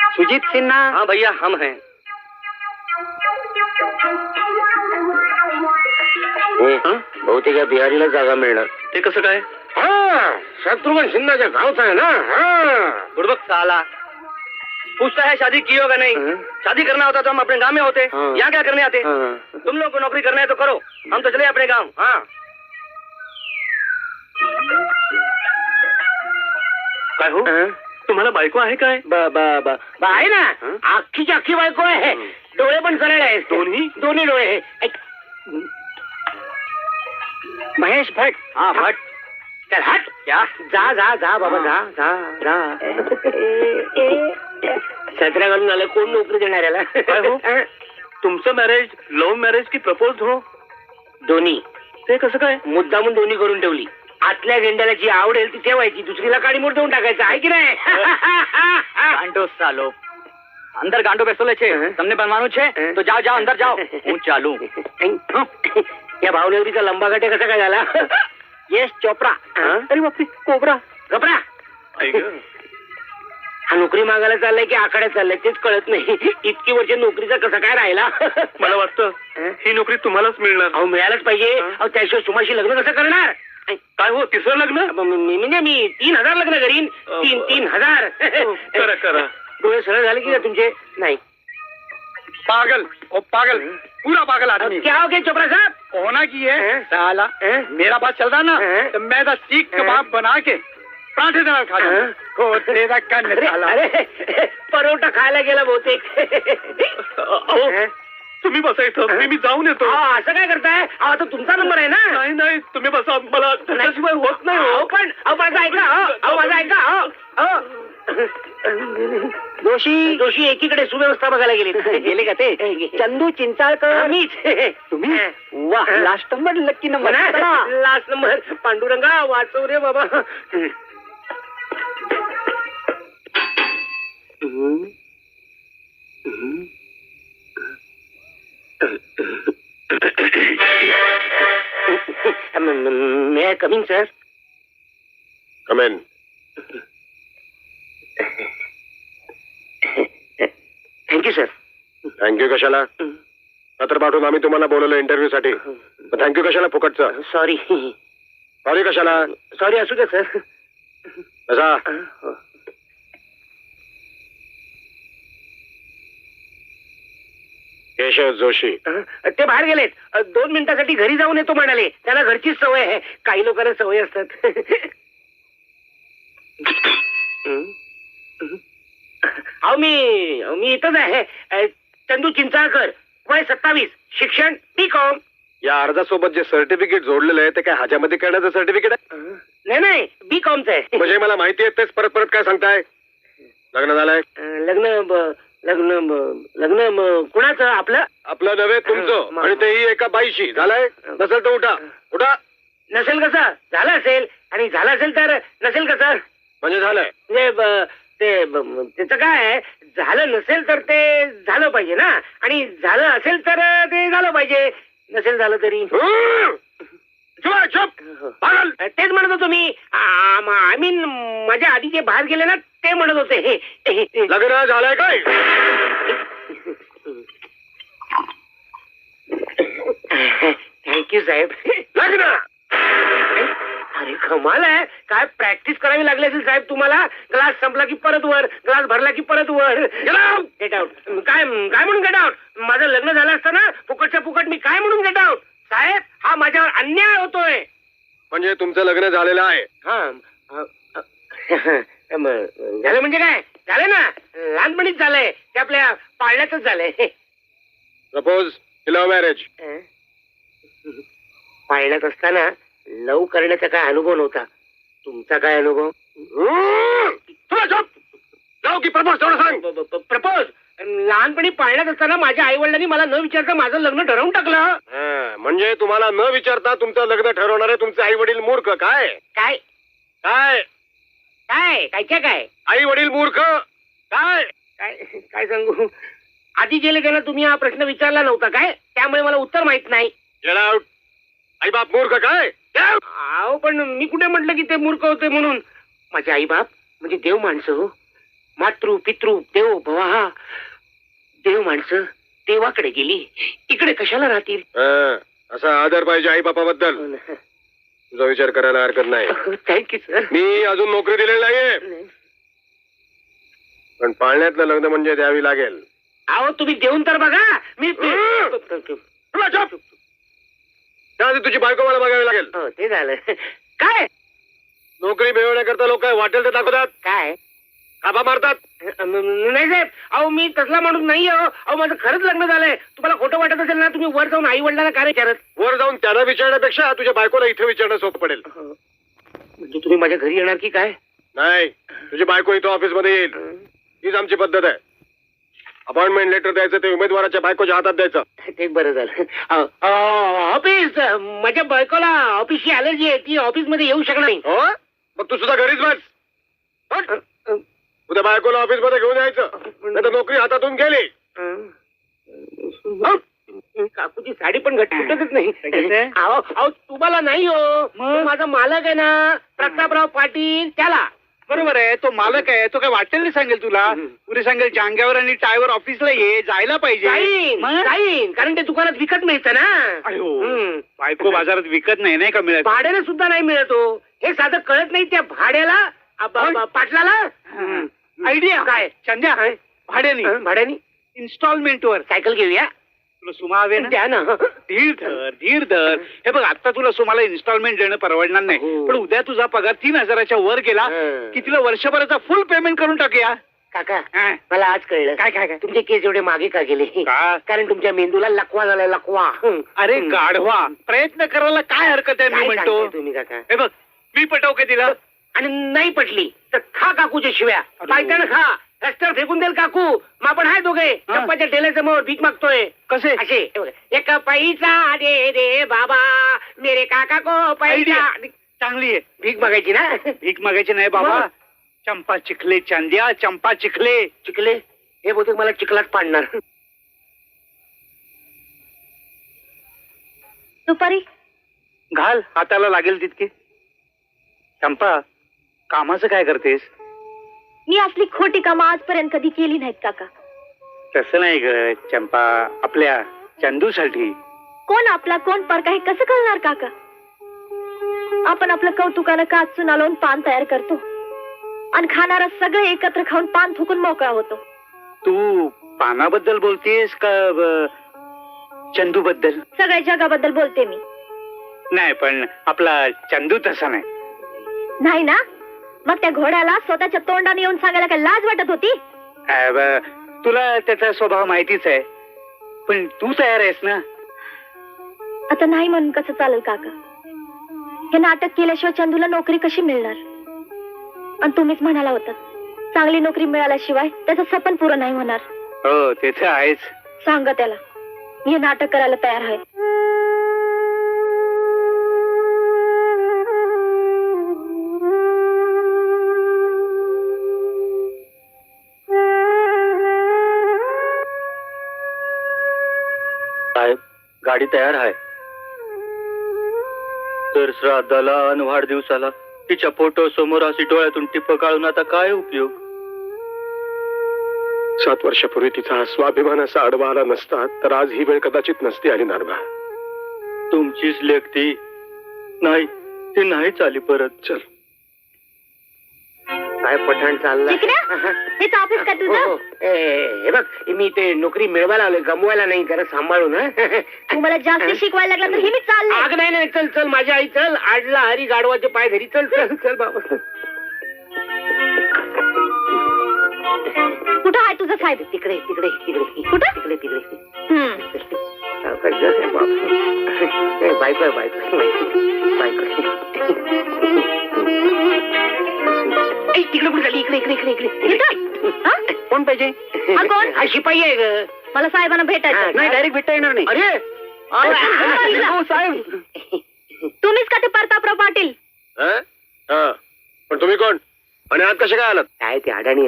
सुजीत सिन्हा? हाँ भैया हम हैं। बहुतेक या बिहारीला जागा मिळणार. ते कसं काय? हाँ शत्रुघ्न सिन्हाच्या गावचा है ना. हाँ बुड़बक साला पूछता है शादी की होगा नहीं. शादी करना होता तो हम अपने गांव में होते. यहाँ क्या करने आते? तुम लोग को नौकरी करना है तो करो, हम तो चले अपने गांव. हाँ काय हो, तुम्हाला बायको आहे काय? आहे ना, अख्खीची अख्खी बायको आहे. डोळे पण सरळ आहेत. दोन्ही डोळे. महेश भट. हाँ भट. चल हट. क्या? जा जा जा बाबा जा. सतरा घालून आलं, कोण नोकरी देणार याला? काय हो, तुमचं मॅरेज लव्ह मॅरेज की प्रपोज हो? दोन्ही. ते कसं काय? मुद्दामून दोन्ही करून ठेवली. आतल्या झेंड्याला जी आवडेल ती ठेवायची, दुसरीला काडीमोड देऊन टाकायचं आहे की नाही? गांडो सालो, अंदर गांडो बेसोले छे, તમને બનવાનું છે તો જાઓ જાઓ અંદર જાઓ, હું ચાલू. या भावनगरीचा लंबा गाठे कसा काय झाला? यश चोप्रा. अरे बापरे, कोबरा गबरा. हा नोकरी मागायला चाललाय की आखाड्यात चाललाय तेच कळत नाही. इतकी वर्ष नोकरीचा कसा काय राहिला? मला वाटतं ही नोकरी तुम्हालाच मिळणार. अहो मिळायलाच पाहिजे. अहो त्याशिवाय सुमाशी लग्न कसं करणार? काय हो, तिसरं लग्न? म्हणजे मी 3,000 लग्न करीन. 3,000. करा करा. डोळे सरळ झाले की तुमचे? नाही. पागल ओ पागल, पूरा पागल आदमी. क्या हो गया चोपड़ा साहब? होना की है साला, मेरा बात चल रहा ना तो मैं तो सीख कबाब बना के पराठे देना खा अरे परोठा खायला गेला बहुतेक. तुम्ही बसा इथं, मी जाऊन येतो. असं काय करताय? आता तुमचा नंबर आहे ना? नाही नाही, तुम्ही बसा, मला त्याच्याशिवाय होत नाही. हो पण माझं ऐका. माझं ऐका. जोशी एकीकडे सुव्यवस्था बघायला गेले का ते? चंदू चिंचाळकर. मीच. तुम्ही? वा, last number, lucky number. Last number. Panduranga वाचव रे बाबा. May I coming sir? Come in. Thank you sir. Thank you कशाला? पत्र पाठवून आम्ही तुम्हाला बोलवलं इंटरव्ह्यू साठी. थँक्यू कशाला फुकटचं? सॉरी. सॉरी कशाला? सॉरी असू द्या सर. कसा? केशव जोशी. ते बाहेर गेलेत. 2 मिनिटासाठी घरी जाऊन येतो म्हणाले. त्यांना घरचीच सवय आहे. काही लोकांना सवय असतात. अहो मी इथंच आहे. चंदू चिंचाळकर, वय 27, शिक्षण B.Com. या अर्जासोबत जे सर्टिफिकेट जोडलेलं आहे ते काय ह्याच्यामध्ये करण्याचं सर्टिफिकेट आहे? नाही B.Com चं आहे. म्हणजे मला माहिती आहे तेच परत काय सांगताय? लग्न झालंय? लग्न कुणाचं? आपलं नव्हे, तुमचं. आणि तेही एका बाईशी. झालंय? नसेल तर उठा. नसेल कसं? झालं असेल. आणि झालं असेल तर नसेल कसं? म्हणजे झालंय. म्हणजे त्याचं काय आहे? झालं नसेल तर ते झालं पाहिजे ना, आणि झालं असेल तर ते झालं पाहिजे. नसेल झालं तरी तेच म्हणत होतो मी. आय मीन माझ्या आधी जे बाहेर गेले ना ते म्हणत होते. लग्न झालंय काय? थँक्यू साहेब. लग्न? अरे कमाल आहे. काय प्रॅक्टिस करावी लागली असेल साहेब तुम्हाला. ग्लास संपला की परत वर, ग्लास भरला की परत वर. Get out. काय म्हणून गेट आउट? माझं लग्न झालं असतं ना फुकटच्या फुकट, मी काय म्हणून गेट आउट? साहेब हा माझ्यावर अन्याय होतोय. म्हणजे तुमचं लग्न झालेलं आहे? झालं म्हणजे काय? झालं ना, लहानपणीच झालंय. ते आपल्या पाळण्यातच झालंय. Suppose love marriage. पाळण्यात असताना लव करण्याचा काय अनुभव नव्हता. तुमचा काय अनुभव? लव की प्रपोज तेवढं सांग. प्रपोज लहानपणी पाळण्यात असताना माझ्या आई वडिलांनी मला न विचारता माझं लग्न ठरवून टाकलं. म्हणजे तुम्हाला न विचारता तुमचं लग्न ठरवणारे तुमचे आई वडील मूर्ख? काय काय काय काय काय काय आई वडील मूर्ख? काय काय काय सांगू? आधी गेले त्यांना तुम्ही हा प्रश्न विचारला नव्हता काय? त्यामुळे मला उत्तर माहित नाही. Get out. आई बाप मूर्ख काय? अहो पण मी कुठे म्हटलं की ते मूर्ख होते म्हणून? माझे आई बाप म्हणजे देव माणसं हो. मातृ पितृ देव भवा देव माणसं देवाकडे गेली इकडे कशाला राहतील. असा आदर पाहिजे आई बापाबद्दल. तुझा विचार करायला हरकत नाही. Thank you sir. मी अजून नोकरी दिलेली नाहीये, पण पाळण्यातलं लग्न म्हणजे द्यावी लागेल. अहो तुम्ही देऊन तर बघा. मी तुला झोप. त्याआधी तुझी बायको मला बघावी लागेल. हो ते झालं. काय नोकरी मिळवण्याकरता लोक काय वाटेल ते दाखवतात, काय काबा मारतात. नाही साहेब, अहो मी तसला माणूस नाही. अहो माझं खरंच लग्न झालंय. तुम्हाला खोटं वाटत असेल ना, तुम्ही वर जाऊन आई वडिलांना काय विचारत. वर जाऊन त्यांना विचारण्यापेक्षा तुझ्या बायकोला इथे विचारणं सोपं पडेल. म्हणजे तुम्ही माझ्या घरी येणार की काय. नाही, तुझी बायको इथं ऑफिस मध्ये येईल. हीच आमची पद्धत आहे. अपॉइंटमेंट लेटर द्यायचं ते उमेदवाराच्या बायकोच्या हातात द्यायचं. ते बरं झालं. ऑफिस माझ्या बायकोला ऑफिसची अलर्जी आहे, ती ऑफिस मध्ये येऊ शकणार नाही. हो, मग तू सुद्धा घरीच बस. हट. उद्या बायकोला ऑफिस मध्ये घेऊन यायचं, नाही तर नोकरी हातातून गेली. काकूची साडी पण घट फुटतच नाही. अहो अहो तुम्हाला नाही हो, तो माझा मालक आहे ना प्रतापराव पाटील, त्याला. बरोबर आहे, तो मालक आहे. तो काय वाटेल नाही सांगेल तुला. पुढे सांगेल जांग्यावर आणि टायवर ऑफिसला ये, जायला पाहिजे. जाईन, कारण ते दुकानात विकत मिळतं ना. बायको बाजारात विकत नाही का मिळत. भाड्याने सुद्धा नाही मिळतो. हे साधं कळत नाही त्या भाड्याला पाटलाला. आयडिया काय संध्या भाड्याने इन्स्टॉलमेंटवर सायकल घेऊया. तुला सुमा हवे ना, द्या ना. धीर धर. हे बघ, आता तुला सुमाला इन्स्टॉलमेंट देणं परवडणार नाही, पण उद्या तुझा पगार 3,000च्या वर गेला की तिला वर्षभराचा फुल पेमेंट करून टाकूया. काका मला आज कळलं काय काय काय तुमचे केस एवढे मागे का गेले. कारण तुमच्या मेंदूला लकवा झालाय, लकवा. अरे गाढवा, प्रयत्न करायला काय हरकत आहे. मी काय म्हणतो सांगताय तुम्ही काका. हे बघ, मी पटव का तिला. आणि नाही पटली तर खा काकूच्या शिव्या. पायताना खा, रस्त्यावर फेकून देईल काकू. मग आपण हाय दोघे चप्पाच्या ढेल्यासमोर भीक मागतोय. कसे असे एक पैसा दे दे बाबा मेरे काका को पैसा. चांगली आहे. भीक मागायची ना. भीक मागायची नाही बाबा. चंपा चिखले चांद्या, चंपा चिखले. चिखले हे बहुतेक मला चिखलात पाडणार. दुपारी घाल, हाताला लागेल तितके. चंपा, कामाचं काय करतेस. मी असली खोटी कामं आजपर्यंत कधी केली नाहीत काका. तसं नाही ग चंपा, आपल्या चंदूसाठी. कोण आपला कोण परका हे कसं कळणार काका. आपण आपलं कौतुकानं काच चुना लावून पान तयार करतो आणि खाणारा सगळे एकत्र खाऊन पान थुकून मोकळा होतो. तू पानाबद्दल बोलतेस का चंदू बद्दल. सगळ्या जगाबद्दल बोलते मी. नाही, पण आपला चंदू तसा नाही. नाही ना, मग त्या घोड्याला स्वतःच्या तोंडाने येऊन सांगायला काय लाज वाटत होती. तुला त्याचा स्वभाव माहितीच आहे, पण तू तयार आहेस ना. आता नाही म्हणून कसं चालेल काका. हे नाटक केल्याशिवाय चंदूला नोकरी कशी मिळणार. आणि तुम्हीच म्हणाला होता चांगली नोकरी मिळाल्याशिवाय त्याचं सपन पुरं नाही होणार. हो, ते तर आहेच. सांगा त्याला मी हे नाटक करायला तयार आहे. साहेब, गाडी तयार आहे. तर श्राद्धाला आणि वाढदिवसाला तिच्या फोटो समोर अशी डोळ्यातून टिप्प काढून आता काय उपयोग. 7 वर्षापूर्वी तिचा स्वाभिमान असा आडवा आला नसता तर आज ही वेळ कदाचित नसती आली नारबा. तुमचीच लेख ती नाही, ती नाहीच आली परत. चल. काय पठाण चाललंय. हेच ऑफिस का तुझं. हे बघ, मी ते नोकरी मिळवायला आलोय, गमवायला नाही. जरा सांभाळून. तुम्हाला जास्त शिकवायला लागला तर हे मी चाललंय. आग नाही, चल चल माझी आई चल. आडला हरी गाडवाचे पाय धरी. चल चल चल बाबा. कुठं आहे तुझं साहेब. तिकडे तिकडे तिकडे कुठं? तिकडे तिकडे. बायको बायको बायको. तिकडे कुठे झाली. इकडे इकडे इकडे इकडे. कोण पाहिजे. हा कोण? हा शिपाई आहे ग. मला साहेबांना भेटायचं. नाही, डायरेक्ट भेटता येणार नाही. अरे साहेब, तुम्हीच का ते प्रतापराव पाटील. पण तुम्ही कोण आणि आज कसे काय आलात. काय ते अडाणी.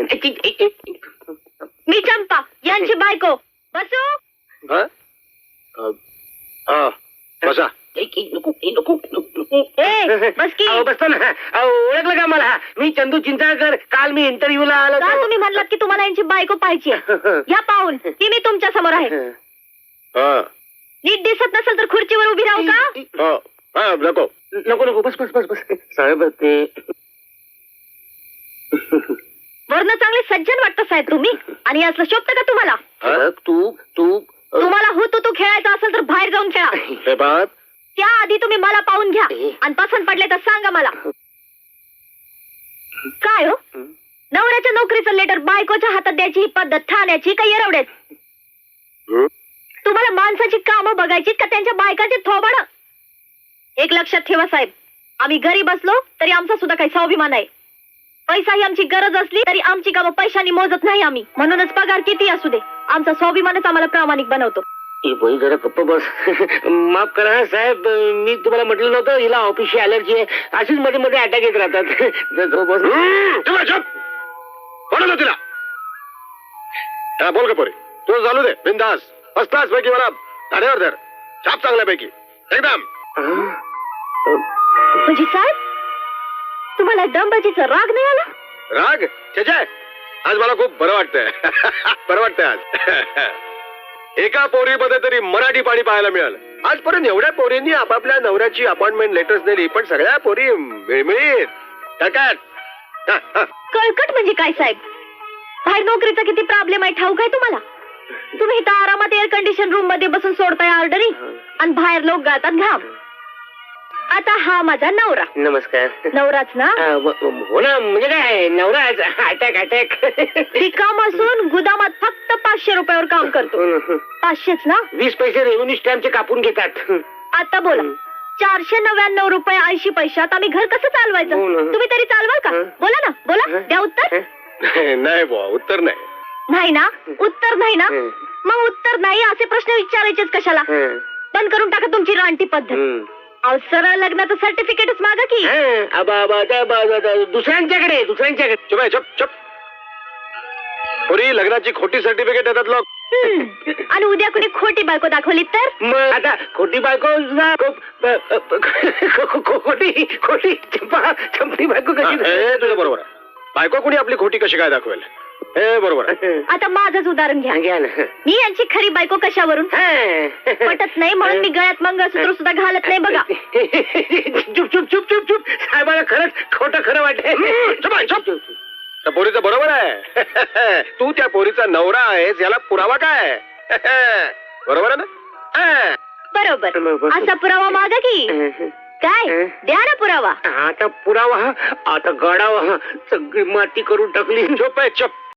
मी चंपा यांची बायको. बसू. बसा. बस की. बसतो ना. ओळखलं का मला? मी चंदू चिंचाळकर. काल मी इंटरव्ह्यूला आलो का होतो. तुम्ही म्हणलात की तुम्हाला यांची बायको पाहिजे या पाहून ती मी तुमच्या समोर आहे. हा नीट दिसत नसेल तर खुर्चीवर उभी राहू का? हा हा नको. नको नको बस बस बस बस साहेब ते वरनं चांगले सज्जन वाटतं साहेब तुम्ही आणि असलं शोभतं का तुम्हाला? तू तुम्हाला तू खेळायचा असेल तर बाहेर जाऊन खेळा. हे बात त्याआधी तुम्ही मला पाहून घ्या आणि पसंत पडले तर सांगा मला. काय हो नवऱ्याच्या नोकरीचं लेटर बायकोच्या हातात द्यायची ही पद्धत ठाण्याची का येरवड्याची? तुम्हाला माणसाची कामं बघायची का त्यांच्या बायकाचे थोबाड? एक लक्षात ठेवा साहेब, आम्ही घरी बसलो तरी आमचा सुद्धा काही स्वाभिमान आहे. पैसा ही आमची गरज असली तरी आमची कामं पैशाने मोजत नाही आम्ही. म्हणूनच पगार किती असू दे आमचा स्वाभिमानच आम्हाला प्रामाणिक बनवतो. जरा गप्प बस. माफ करा साहेब, मी तुम्हाला म्हटलं नव्हतं हिला ऑफिसची अलर्जी आहे. अशीच मध्ये मध्ये अटॅक येत राहतात. बोलतो तिला. हा बोल का पोरी, तुझं चालू दे बिंदास. फर्स्ट क्लास पैकी मला धाड्यावर धर. छाप चांगल्यापैकी एकदम. म्हणजे साहेब तुम्हाला दमबाजीचा राग नाही आला? राग छे आज मला खूप बरं वाटतंय. बरं वाटतंय आज. एका पोरीमध्ये तरी मराठी पाणी पाहायला मिळालं. आजपर्यंत एवढ्या पोरींनी आपापल्या नवऱ्याची अपॉइंटमेंट लेटर्स दिली पण सगळ्या पोरी मिळमिळीत टकाट. कळकट म्हणजे काय साहेब? बाहेर नोकरीचा किती प्रॉब्लेम आहे ठाऊक आहे तुम्हाला? तुम्ही इथं आरामात एअर कंडिशन रूम मध्ये बसून सोडताय ऑर्डरी आणि बाहेर लोक गातात घाम. आता हा माझा नवरा. नमस्कार. नवराच ना? हो ना, म्हणजे काय नवरा अटॅक अटॅक. रिकाम असून गुदामात फक्त 500 रुपयावर काम करतो. 500च ना? 20 पैसे रेव्हेन्यू स्टॅम्पचे कापून घेतात. आता बोला 499 रुपये 80 पैशात आम्ही घर कसं चालवायचं? हो ना. तुम्ही तरी चालवाल का? बोला ना बोला, द्या उत्तर. नाही बुवा, उत्तर नाही. नाही ना? उत्तर नाही ना? मग उत्तर नाही असे प्रश्न विचारायचेच कशाला? बंद करून टाका तुमची रानटी पद्धत. अहो सरळ लग्नाचं सर्टिफिकेटच मागा की. दुसऱ्यांच्याकडे चुप आहे, चुप चुप. पोरी लग्नाची खोटी सर्टिफिकेट देतात लोक. आणि उद्या कोणी खोटी बायको दाखवली तर? मग आता खोटी बायको खोटी खोटी चंपी बायको कशी? हे तुझं बरोबर आहे. बायको कोणी आपली खोटी कशी काय दाखवेल? हे बरोबर आहे. आता माझंच उदाहरण घ्या. घ्या ना. मी यांची खरी बायको कशावरून? पटत नाही म्हणून मी गळ्यात मंगळसूत्र सुद्धा घालत नाही बघा. चुप चुप चुप चुप चुप. साहेबाला खरंच खोटं खरं वाटतंय. त्या पोरीचं बरोबर आहे. तू त्या पोरीचा नवरा आहेस याला पुरावा काय? बरोबर आहे ना? बरोबर. असा पुरावा मागा की. काय द्या ना पुरावा. आता पुरावा आता गडावा सगळी माती करून टाकली. चुप आहे, चुप.